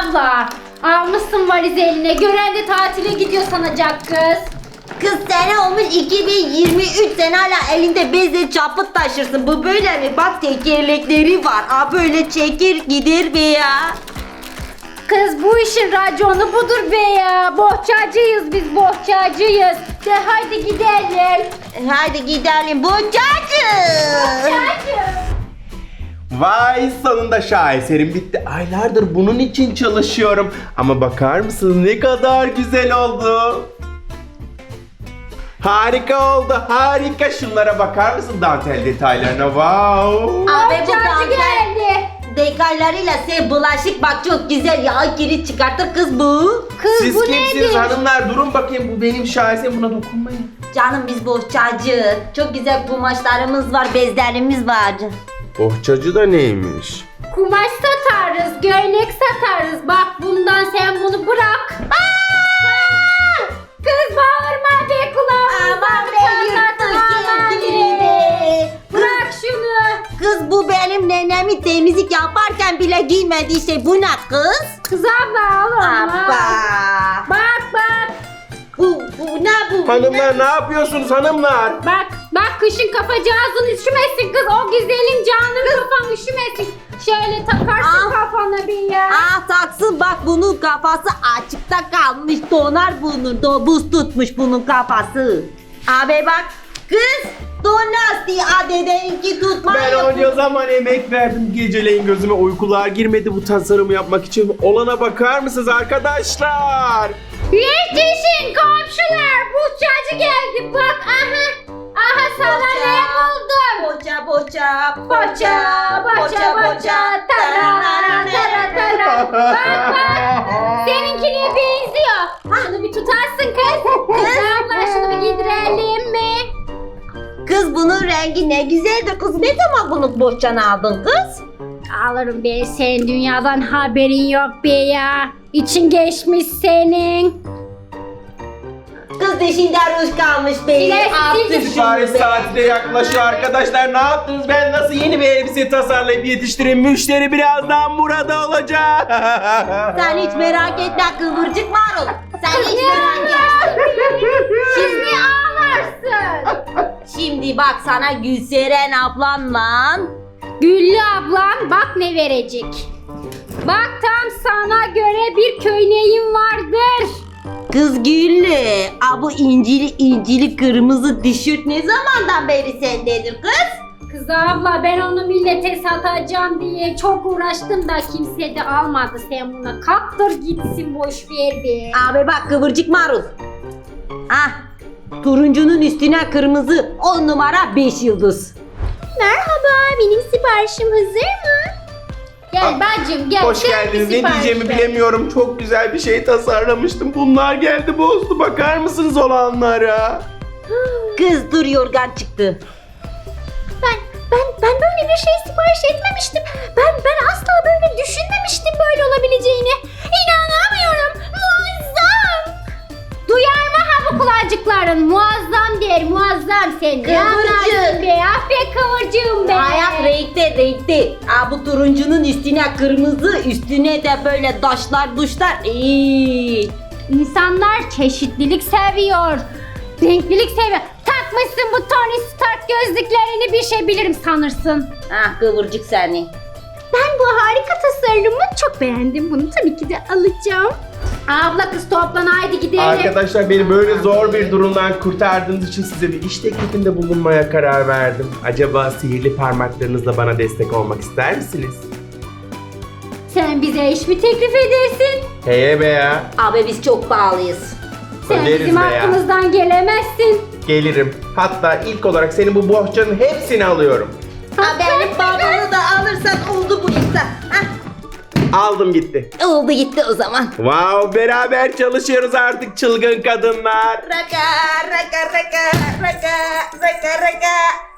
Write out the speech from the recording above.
abla. Almışsın valizi eline. Gören de tatile gidiyor sanacak kız. Kız sene olmuş 2023, sen hala elinde bezle çapıt taşırsın. Bu böyle mi? Bak tekerlekleri var. Aa böyle çekir gider be ya. Kız bu işin raconu budur be ya. Bohçacıyız biz, bohçacıyız. De haydi gidelim. Hadi gidelim bohçacı. Bohçacı. Vay, sonunda şaheserim bitti. Aylardır bunun için çalışıyorum. Ama bakar mısınız ne kadar güzel oldu. Harika oldu, harika. Şunlara bakar mısın dantel detaylarına? Wow. Abi bu Bohçacı dantel geldi. detaylarıyla sen bulaşık bak çok güzel ya, kilit çıkartır kız bu. Kız Siz bu kimsiniz nedir? hanımlar? Durun bakayım, bu benim şahesem, buna dokunmayın. Canım biz bohçacı. Çok güzel kumaşlarımız var, bezlerimiz var. Bohçacı da neymiş? Kumaş satarız, gömlek satarız. Bak bundan sen bunu bırak. Aa! Kız bağırma be kulağımızdan. Aman be yırtmış kendini. Bırak şunu. Kız bu benim nenemi temizlik yaparken bile giymediği şey. Bu ne kız? Kız abla al onu. Abba. Bak bak. Bu ne bu? Hanımlar ne yapıyorsunuz hanımlar? Bak kışın kafacağızın üşümesin kız. O güzelim canım kafan üşümesin. Şöyle takarsın Ah. kafana bir ya. Ah taksın bak, bunun kafası açıkta kalmış, donar bunun, buz tutmuş bunun kafası. Abi bak kız donar diye dedenki tutma Ben onca zaman emek verdim. Geceleyin gözüme uykular girmedi bu tasarımı yapmak için. Olana bakar mısınız arkadaşlar? Yetişin komşular. Buhçacı geldi bak aha. Aha sana ne buldum. Boça boça Boça tara tara tara. Bak seninkine benziyor. Şunu bir tutarsın kız. Kız abla şunu bir giydirelim mi? Kız bunun rengi ne güzeldir kız, ne zaman bunu bohçana aldın kız? Alırım be, senin dünyadan haberin yok be ya. İçin geçmiş senin. Kız dişinde ruj kalmış be. İlerisi Artık sildir. Sipariş şunu be. saati de yaklaşıyor arkadaşlar. Ne yaptınız? Ben nasıl yeni bir elbise tasarlayıp yetiştireyim? Müşteri birazdan burada olacak. Sen hiç merak etme kıvırcık marul. Sen hiç merak etme. Siz niye ağlarsın? Şimdi bak sana Gülseren ablanla. Güllü ablan bak ne verecek. Bak tam sana göre bir köyneyim vardır. Kız Güllü, bu incili kırmızı tişört ne zamandan beri sendedir kız? Kız abla ben onu millete satacağım diye çok uğraştım da kimse de almadı. Sen buna kaptır gitsin, boş ver be. Abi bak kıvırcık marul. Ah, turuncunun üstüne kırmızı 10 numara 5 yıldız. Merhaba, benim siparişim hazır mı? Gel bacım gel. Hoş sen geldiniz. bir Ne sipariş diyeceğimi ver. bilemiyorum. Çok güzel bir şey tasarlamıştım. Bunlar geldi bozdu. Bakar mısınız olanlara? Kız dur, yorgan çıktı. Ben böyle bir şey sipariş etmemiştim. Ben asla böyle düşünmemiştim böyle olabileceğini. İnanamıyorum. Muazzam. Duyar mı ha bu kulacıkların? Muazzam der, muazzam sen. Ne Kıvırcık. anlarsın be? Aferin kıvırcığım be. Hayat renkli. Bu turuncunun üstüne kırmızı, üstüne de böyle taşlar duşlar. İnsanlar çeşitlilik seviyor. Renklilik seviyor. Takmışsın bu Tony Stark gözlüklerini, bir şey bilirim sanırsın. Ah kıvırcık seni. Ben bu harika tasarımı çok beğendim. Bunu tabii ki de alacağım. Abla kız toplan haydi gidelim. Arkadaşlar beni böyle zor bir durumdan kurtardığınız için size bir iş teklifinde bulunmaya karar verdim. Acaba sihirli parmaklarınızla bana destek olmak ister misiniz? Sen bize iş mi teklif edersin? Heye be ya. Abi biz çok pahalıyız. Sen Öderiz bizim be ya. hakkımızdan gelemezsin. Gelirim. Hatta ilk olarak senin bu bohçanın hepsini alıyorum. Benim babamı da alırsan oldu bu işte. Aldım gitti. Oldu gitti o zaman. Wow, beraber çalışıyoruz artık çılgın kadınlar. Raka raka raka raka raka raka.